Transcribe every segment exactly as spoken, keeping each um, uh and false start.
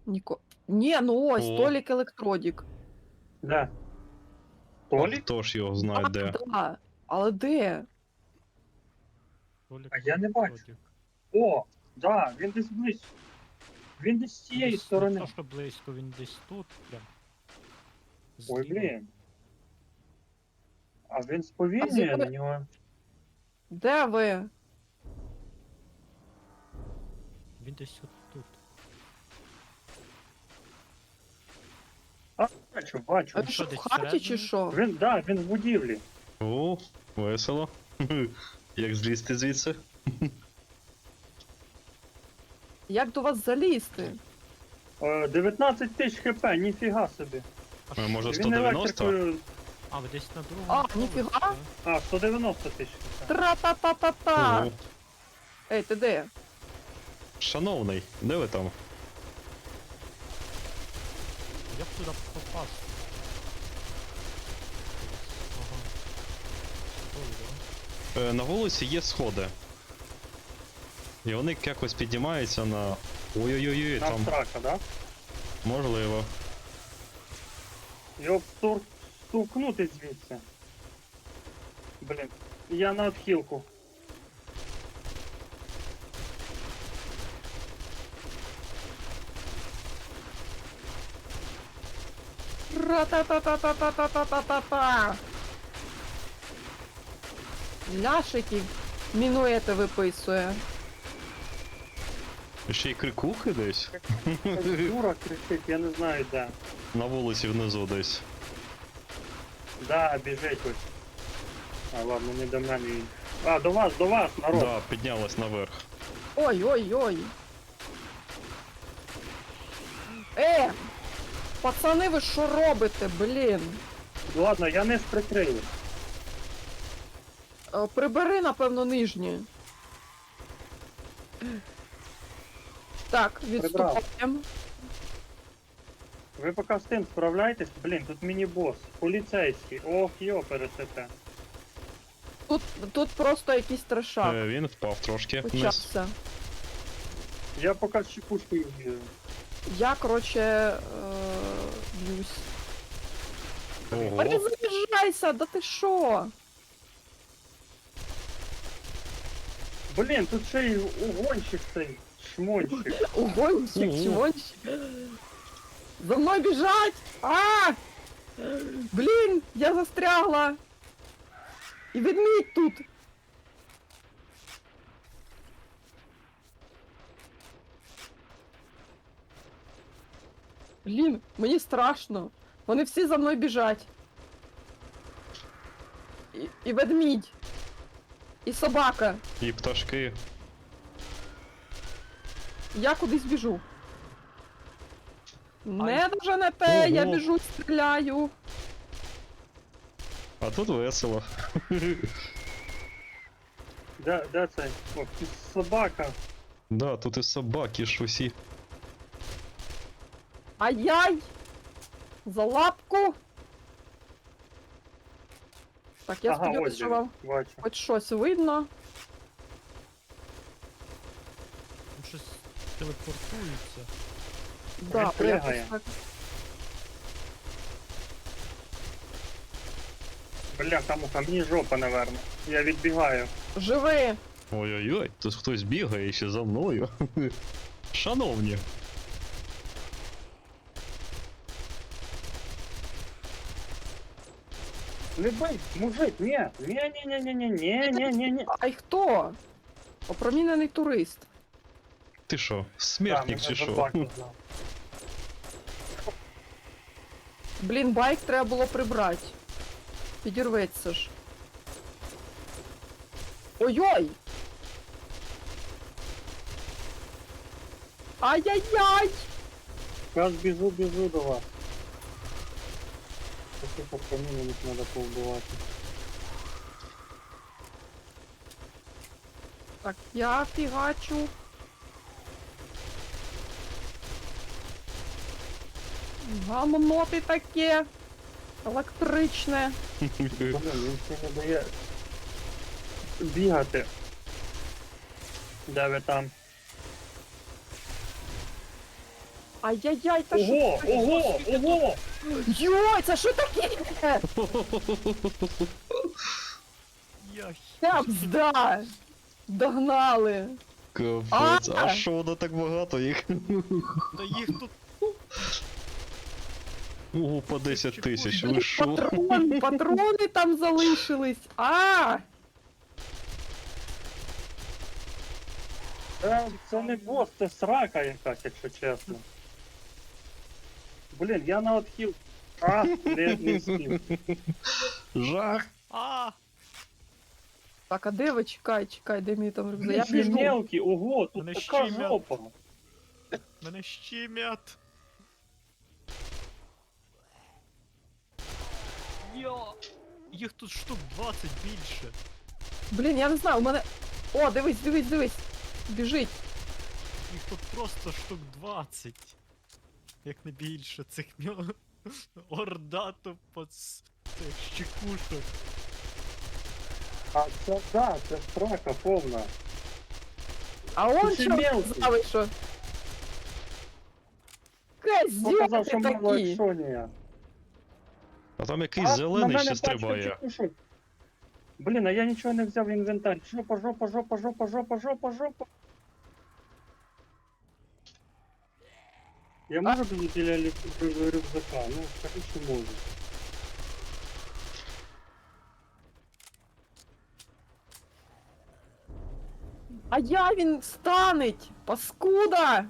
Ніко... Ні, ну ось, О. Толік Електродік. Де? А Толік? хто ж його знає А, де? да. Але де? Толік А я не бачу. Родік. О, да, він десь близько. Він десь з цієї Десь сторони. Не то, що близько, він десь тут, прям. Ой, Зліва. блін. А він А сповільнює з якої- на нього. Де ви? Він десь от тут. А, бачу, бачу. А що, десь в хаті чи всередині? що? Він, да, він в будівлі. О, весело. Як злізти звідси? Як до вас залізти? Е, дев'ятнадцять тисяч хп, ніфіга собі. А, А, може, що? Він сто дев'яносто? електрикою. А, ви десь на другому. А, поверсі, ніфіга. да? А, сто дев'яносто тисяч хп. Тра-та-та-та-та! О, Ей, ти де? шановний, де ви там? Як туди попасти? Ага. Ой, да. Е, на вулиці є сходи. І вони якось піднімаються на... Ой-ой-ой, На там страха, да? можливо. Його стур... стукнути звідси. Блін, я на отхилку. Ра-та-та-та-та-та-та-та-та-та! Ляшиків мінуети виписує. Ще й крикухи десь? Дура кричить, я не знаю де. На вулиці внизу десь. Да, біжить ось. А ладно, не до мене він. А, до вас, до вас, народ. Да, піднялась наверх. Ой-ой-ой. Е! Пацани, ви що робите, блін? Ладно, я не прикрию. Е, Прибери, напевно, нижнє. Так, відступаємо. Ви поки з тим справляйтесь, блін, тут міні-бос, поліцейський, ох, йо, пересете. Тут, тут просто якийсь трешак Е, він впав трошки вниз. почався. Я поки з чекушкою б'ю. Я, короче, е, б'юсь. Ого. Перезаряджайся, да ти що? Блін, тут ще й угонщик цей, шмонщик. Угонщик, Ого. чмонщик. За мною біжать! А! Блін, я застрягла. І ведмідь тут. Блін, мені страшно. Вони всі за мною біжать. І, і ведмідь. І собака. І пташки. Я кудись біжу. Не дуже не те, я Ого. біжу, стріляю. А тут весело. Де, де цей? О, тут собака. Да, тут і собаки ж усі. Ай-яй! За лапку! Так, я Ага, ось сподіваюся, що він, вам бачу. хоч щось видно. Він щось телепортується. Да, пригає. якось так. Бляха, муха, мені жопа, наверно. Я відбігаю. Живи! Ой-ой-ой, тут хтось бігає ще за мною. Шановні. Не бий, мужик, ні, ні, ні, ні, ні, ні, ні, ні, ні, ні. Ай хто? Опромінений турист. Ти що, смертник чи що? що? Блін, байк треба було прибрати. Підірветься ж. Ой-ой! Ай-яй-яй! Зараз біжу, біжу до вас. Таких опромінених треба повбивати. Так, я фігачу. Гамно ти таке. Електричне. Блін, він ще не дає бігати. Де ви там? Ай-яй-яй, та що? Ого, таке? ого, ого! Йой, це що таке? Я Це бзда! Догнали! Капець, А! а що воно так багато їх? Та їх тут Ого, по десять тисяч, ви що? Патрон, патрони там залишились! А! Це, це не бос, це срака якась, якщо чесно. Блін, я на отхил. А, не, не встиг. Жах! А! Так, а де ви? Чекай, чекай, де мій там рюкзак? Я Блін, біжу. мелкий, ого, тут Мене така щемять. жопа. Мене щемять! Йо! Їх тут штук двадцять більше. Блін, я не знаю, у мене... О, дивись, дивись, дивись! Біжить! Їх тут просто штук двадцять. Як не більше цих мьо... Орда тупо з цих щекушок. А це, да, це срака повна. А он Ти що мелкий. сказали, що? Хто казав, Козьоти що мало такі! екшонія? А там якийсь зелений ще стрибає. чекушок. Блін, а я нічого не взяв в інвентар. Жопа, жопа, жопа, жопа, жопа, жопа, жопа. Я можу бути біля лю- рюкзака? Ну, скажи, що можу. А я він станеть! Паскуда!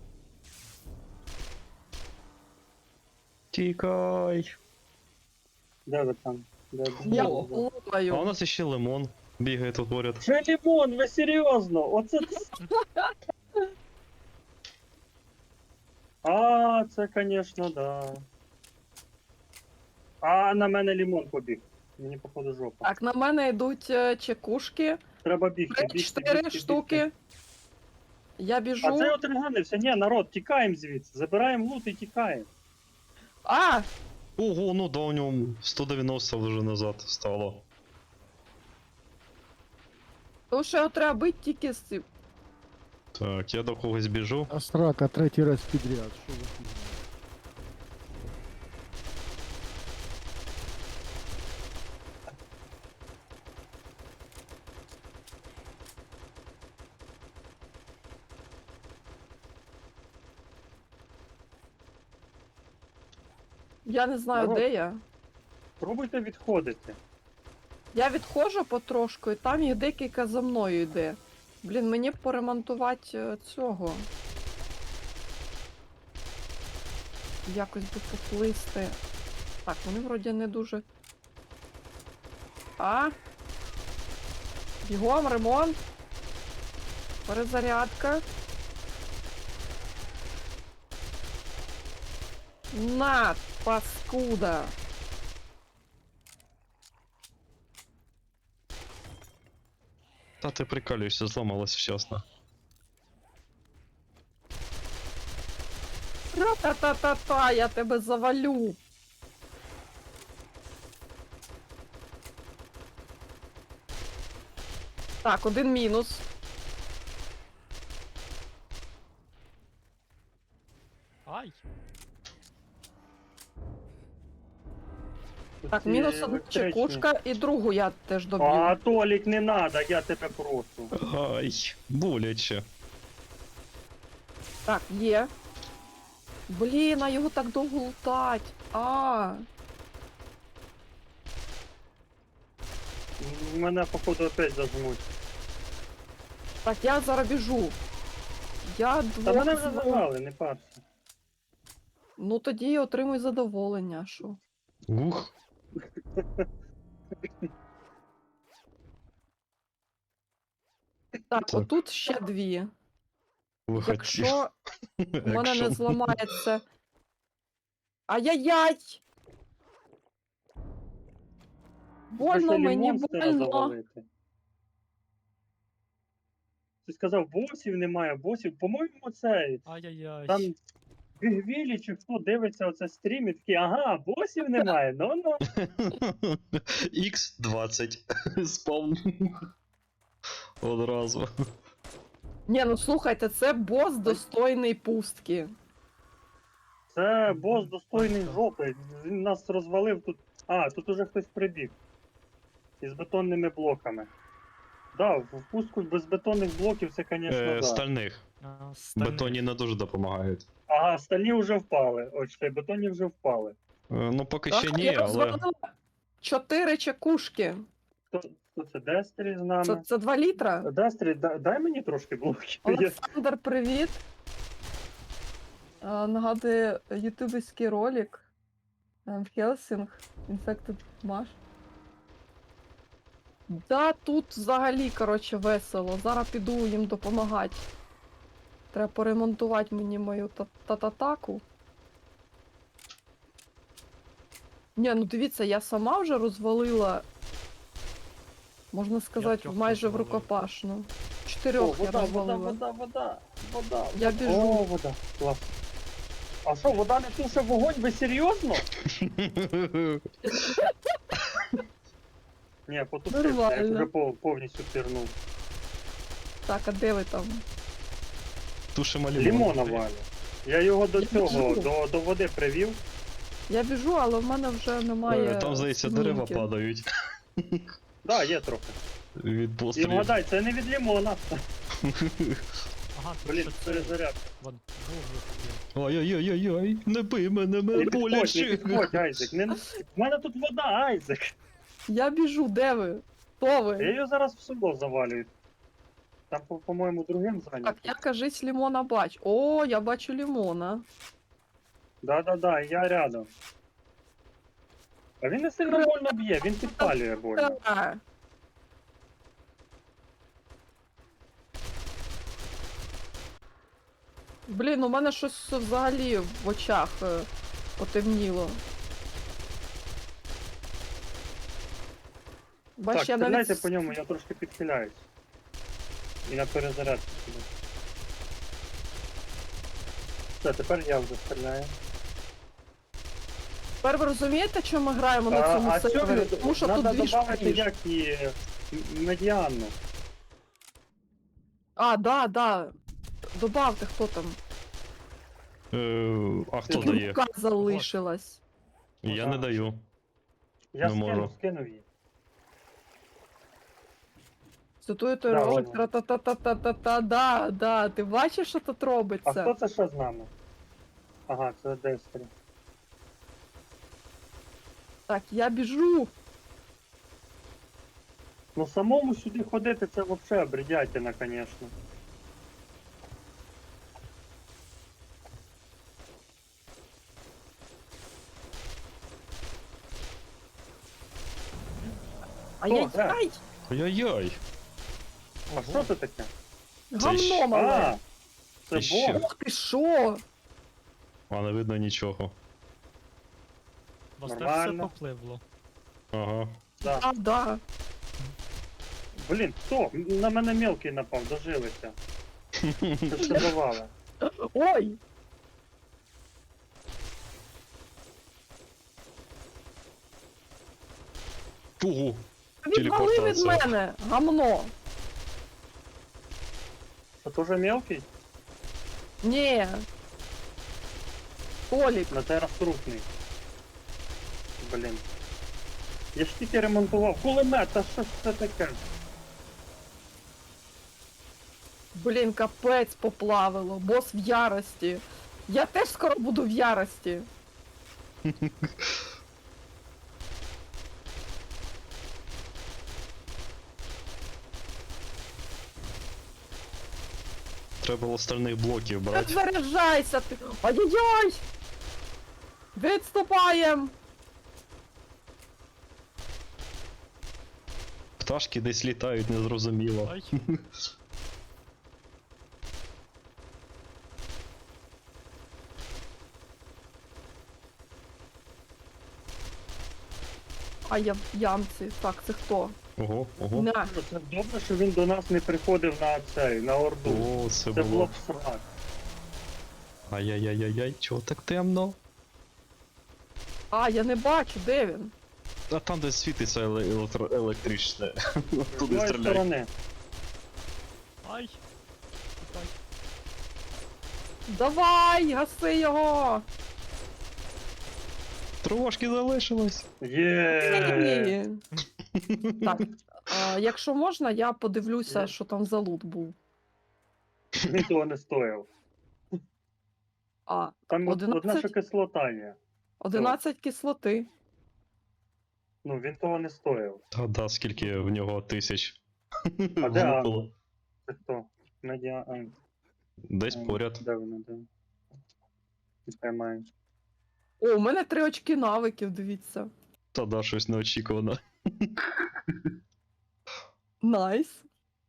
Тікай. Де ви там? Де, де, Я де, де? А у лупаю. нас ще лимон бігає тут поряд. Ще лимон, ви серйозно? Оце ц- А, це, конечно, да. А на мене лимон побіг. Мені походу жопа. Так, на мене йдуть е, чекушки. Треба бігти, бігти, Чотири бігти, штуки. бігти. Я А біжу. це от реганився. Ні, народ, тікаємо звідси. Забираємо лут і тікаємо. А! Ого, ну да, у нього сто дев'яносто вже назад стало. Тому що його треба бити тільки з цим. Так, я до когось біжу. А срака третій раз підряд. Що ви фігня? Я не знаю, Народ. де я. Пробуйте відходити. Я відходжу потрошку, і там їх декілька за мною йде. Блін, мені б поремонтувати е, цього. Якось би поплисти. Так, вони вроді не дуже. А? Бігом, ремонт. Перезарядка. На, паскуда. Та ти прикалюєшся, зламалась вчасно. Ра-та-та-та-та, я тебе завалю. Так, один мінус. Ай! Так, Ці мінус одна електричні. чекушка і другу я теж доб'ю. А, Толік, не надо, я тебе прошу. Ай, боляче. Так, є. Блін, а його так довго лутать. А, М, Мене, походу, опять зажмуть. так, я зараз біжу. Я Та двох мене вже знову- зажали, не парся. Ну тоді отримуй задоволення, що. Ух. Так, Так. отут ще дві. Виходь. Якщо у мене не Екшен. зламається. Ай-яй-яй! Больно Можна мені, монстра больно. завалити. Ти сказав, босів немає, босів. По-моєму, це Ай-яй-яй. там Гвілі чи хто дивиться оце стрім і такий, ага, босів немає, ну-ну. ікс двадцять. Спавн. Одразу. Ні, ну слухайте, це бос достойний пустки. Це бос достойний жопи. Він нас розвалив тут. А, тут уже хтось прибіг. Із бетонними блоками. Да, в пустку без бетонних блоків це, звісно, Е, да. стальних. А, стальний. Бетонні не дуже допомагають. Ага, стальні вже впали. Ось цей бетонні вже впали. Е, ну поки Так, ще ні, я але. розвалила чотири чекушки. Хто, хто це? Дестрі з нами? Це, це два літра. Дестрі, да- дай мені трошки блоків. Я- Олександр, привіт. А, нагадує ютуберський ролик. Ем, Хелсінг. Infected Mash. Да, тут взагалі, коротше, весело. Зараз піду їм допомагати. Треба поремонтувати мені мою та- тататаку. Ні, ну дивіться, я сама вже розвалила, можна сказати, трьох майже в розвалив. рукопашну. О, Чотирьох я вода, вода, розвалила. вода, вода, вода. Я О, біжу. вода. Клас. А що, вода не туше вогонь? Ви серйозно? Ні, потушив, я Нормально. вже пов- повністю пірнув. Так, а де ви там? Тушимо лімон. Лімона валю. Я його до Я цього, біжу. до, до води привів. Я біжу, але в мене вже немає. Е, Там, здається, дерева змінки. падають Да, є трохи. від І пострілів. вгадай, це не від лімона. Ага, тут Блін, ще це... перезаряд. Вон, вуглик є. Ой-ой-ой-ой, не бий мене, Не мене підходь, не боляче. підходь, Айзек. Не... В мене тут вода, Айзек. Я біжу, де ви? Хто Я ви? її зараз в село завалюю. Там, по- по-моєму, другим Так, зайнято. я кажись, лімона бачу. О, я бачу лімона. Да-да-да, я рядом. А він не сильно больно б'є, він підпалює больно. Та. Блін, у мене щось взагалі в очах е, потемніло. Бач, Так, я стріляйте навіть... по ньому, я трошки підхиляюсь. І на перезарядку сюди. Все, тепер я вже стріляю. Тепер ви розумієте, чому ми граємо на цьому а сервері? цю Тому що надо тут дві добавити шпилі. як і м- медіанну. А, да, да. Добавте, хто там. Е, А хто Рука дає? Рука залишилась. Я не даю. Я Не скинув, можу. скинув її. Цитуєте Да, ролик, ладно. та-та-та-та-та-та, да, да, ти бачиш, що тут А робиться? хто це ще з нами? Ага, це Дестрі. Так, я біжу. Ну самому сюди ходити це взагалі бредятина, звісно. Ай-яй-яй! Ой-ой-ой. А що це таке? Гамно А, мале! це Ще. бог. Ух ти що? А не видно нічого. У вас теж все Нормально. попливло. Ага. Да. А, да. Блін, хто? На мене мелкий напав, дожилися. Це що давали? Ой! Ого. Відвали від Телепортація. мене! Гамно! Це теж мелкий? Ні. Толік. На те розкрутний. Блін. Я ж тільки ремонтував. Кулемет, а що ж це таке? Блін, капець поплавило. Бос в ярості. Я теж скоро буду в ярості. Треба було стальних блоків Не брати. заряджайся ти. Ой-ой-ой! Відступаєм! Пташки десь літають, незрозуміло. Ай, А я в ямці. Так, це хто? Ого, ого. На. Це добре, що він до нас не приходив на цей, на орду. О, це Це було було. б срак. Ай-яй-яй-яй, чого так темно? А, я не бачу, де він? А там десь світиться еле- електро- електричне. З Туди тої стріляй. сторони. ай. Тікай. Давай, гаси його! Трошки залишилось. Є. Ні. Так, а, якщо можна, я подивлюся, Є. що там за лут був. Він того не стояв. А, Там от- одна що одинадцять, кислота є. одинадцять кислоти. Ну, він того не стояв. Та да, скільки в нього тисяч. А де Анна? Влупило. Це хто? Медіа Айн. Десь поряд. Де вона, де? Піймаємо. О, у мене три очки навиків, дивіться. Та да, щось неочікувано. Найс.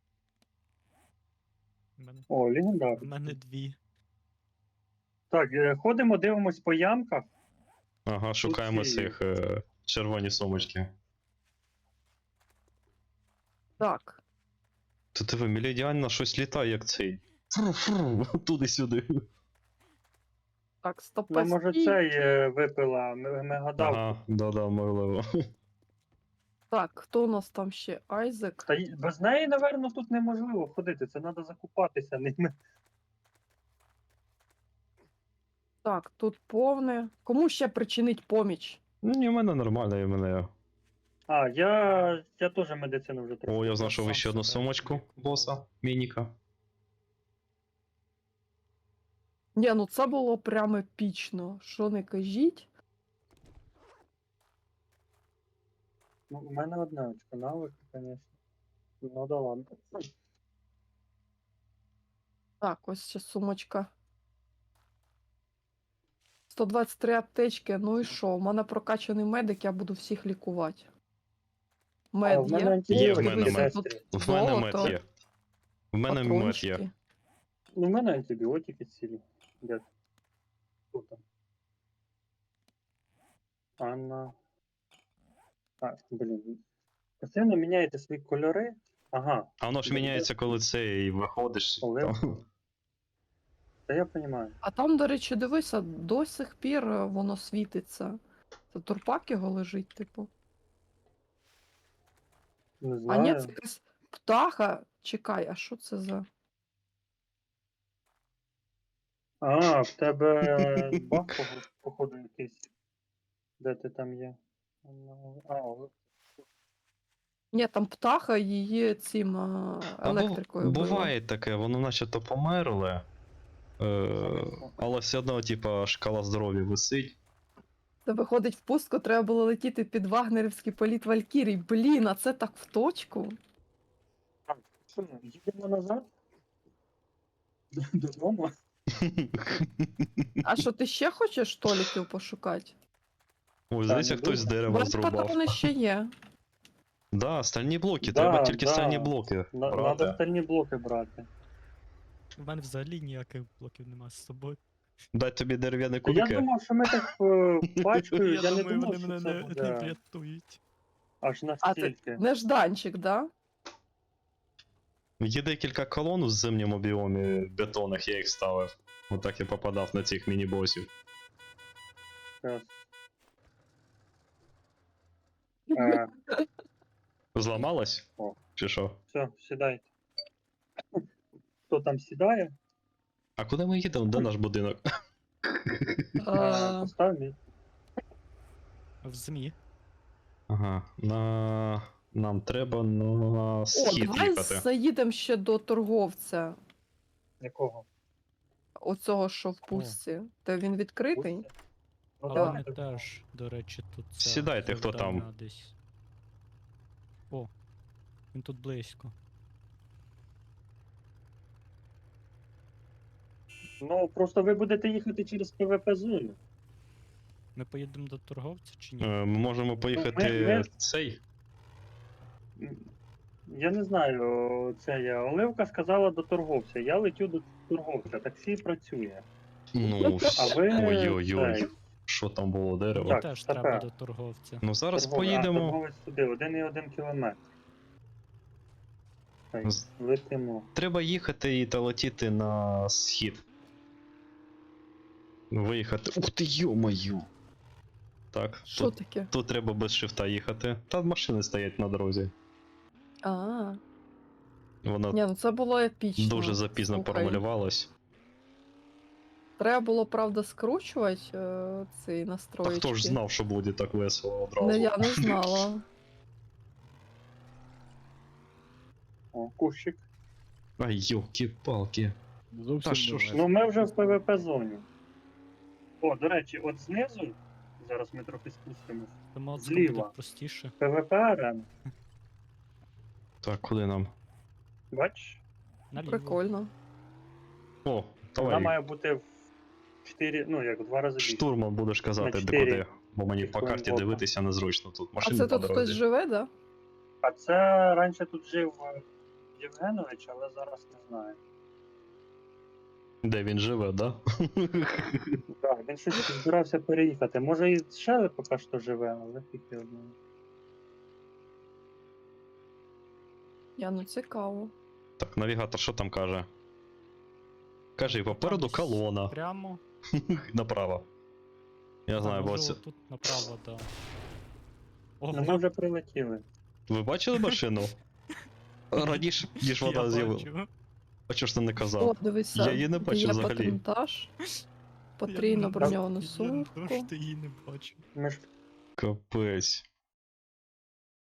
У мене, О, у легендар. мене дві. Так, е, ходимо, дивимось по ямках. Ага, шукаємо ці- цих е, червоні сумочки. Так. Та диви, мілідіально щось літає, як цей. Фру-фру, туди-сюди. Так, стоп. Ну, може, цей е, випила м- мегадав. Ага, да-да, можливо. Так, хто у нас там ще? Айзек. Та й без неї, напевно, тут неможливо ходити. Це треба закупатися ними. Так, тут повне. Кому ще причинить поміч? Ну, ні, в мене нормально, і в мене. А, я, я теж медицину вже трохи. О, я знайшов сам ще одну себе сумочку лікував. боса, мініка. Ні, ну це було прямо епічно. Що не кажіть? Ну, у мене одне очко навик, звісно. Ну да ладно. Так, ось ще сумочка. сто двадцять три аптечки, ну і що? У мене прокачаний медик, я буду всіх лікувати. Мед А, в мене є. антибіотики Є в мене Дивися, мед. тут В мене мед золото, є. В мене мед патрончики. є. Ну, в мене антибіотики цілі. Де? Хто там? Анна. А, блін. Постійно міняєте свої кольори. Ага, А воно ж міняється, коли це і виходиш. Олег. Там. та я розумію. А там, до речі, дивися, до сих пір е, воно світиться. Це турпак його лежить, типу. Не А знаю. ні, це якась птаха. Чекай, а що це за. А, в тебе баг, пого- походу, якийсь. Де ти там є? А, о, Ні, там птаха її цим а, А бу- електрикою била. буває таке, воно начебто померле. Е, але все одно, типа, шкала здоров'я висить. Це виходить в пустку, треба було летіти під вагнерівський політ Валькірій. Блін, а це так в точку. що, їдемо назад? Додому? А що, ти ще хочеш толіків пошукати? Ой, здається, не хтось з дуже. дерева Брат зрубав. патрони ще є. Да, стальні блоки, Да, треба тільки да. стальні блоки. На- Надо брати. остальні блоки брати. У мене взагалі ніяких блоків нема з собою. Дай тобі дерев'яні Та Я кубики. думав, що ми так е, пачкою, я, Я не думаю, думав, вони що мене це не, не буде врятують. аж А настільки. ти нежданчик, да? Є декілька колон в зимньому біомі бетонних, я їх ставив. Отак я попадав на цих міні-босів. Щас. Е, Зламалась? О. Чи що? все, сідайте. Хто там сідає? А куди ми їдемо? Де наш будинок? Е, А, Постав мій. В ЗМІ. Ага, на... нам треба на О, схід давай їхати. заїдемо ще до торговця. Якого? Оцього, що в пустці. Та він відкритий? Пусті? Ну, Але давай. вони теж, до речі, тут це Сідайте, хто там. завдання десь. О, він тут близько. Ну, просто ви будете їхати через ПВП зону. Ми поїдемо до торговця чи ні? Е, Ми можемо поїхати ми- ми- цей. Я не знаю, це я. Оливка сказала до торговця. Я летю до торговця, таксі працює. Ну, А ви. ой-ой-ой, цей, що там було дерево. Мені так, теж така. треба до торговця. Ну зараз торговець- а, поїдемо. торговець туди, один і один кілометр. Так, З- летимо. Треба їхати і та летіти на схід. Виїхати. Ух ти, йо-маю! Так, Що тут, таке? тут треба без шифта їхати. Та машини стоять на дорозі. А, Вона ні, ну це було епічно. дуже запізно Слухай. промалювалась. Треба було, правда, скручувати е, ці Та настроєчки. хто ж знав, що буде так весело одразу? Не, я не знала. О, кущик. Ай, йолки-палки. Зовсім Та що не ж- весело. Ну ми вже в ПВП зоні. О, до речі, от знизу, зараз ми трохи спустимось. Та модська Зліва. буде простіше. ПВП арена. Так, куди нам? Бачиш? Наліво. Прикольно. О, Вона давай. має бути в чотири, ну як в два рази більше. Штурман будеш казати, На де чотири куди. Бо мені по хвилин карті бока. дивитися незручно тут. А Машини це по тут хтось дорозі. живе, да? А це раніше тут жив е, Євгенович, але зараз не знаю. Де він живе, да? Так, він щось збирався переїхати. Може і ще поки що живе, але тільки одного. Я ну цікаво. Так, навігатор що там каже? Каже, попереду Там колона. Прямо. Направо. Я знаю, бо може це... тут направо, да. Ну ми Ого, вже прилетіли. Ви бачили машину? Раніше, ніж я вона з'явилася. бачу. А чого ж ти не О, казав? дивися. Я її не бачив є взагалі. патронтаж, Я потрійно не- броньовану Я сумку. просто її не бачу. Ми ж Капець.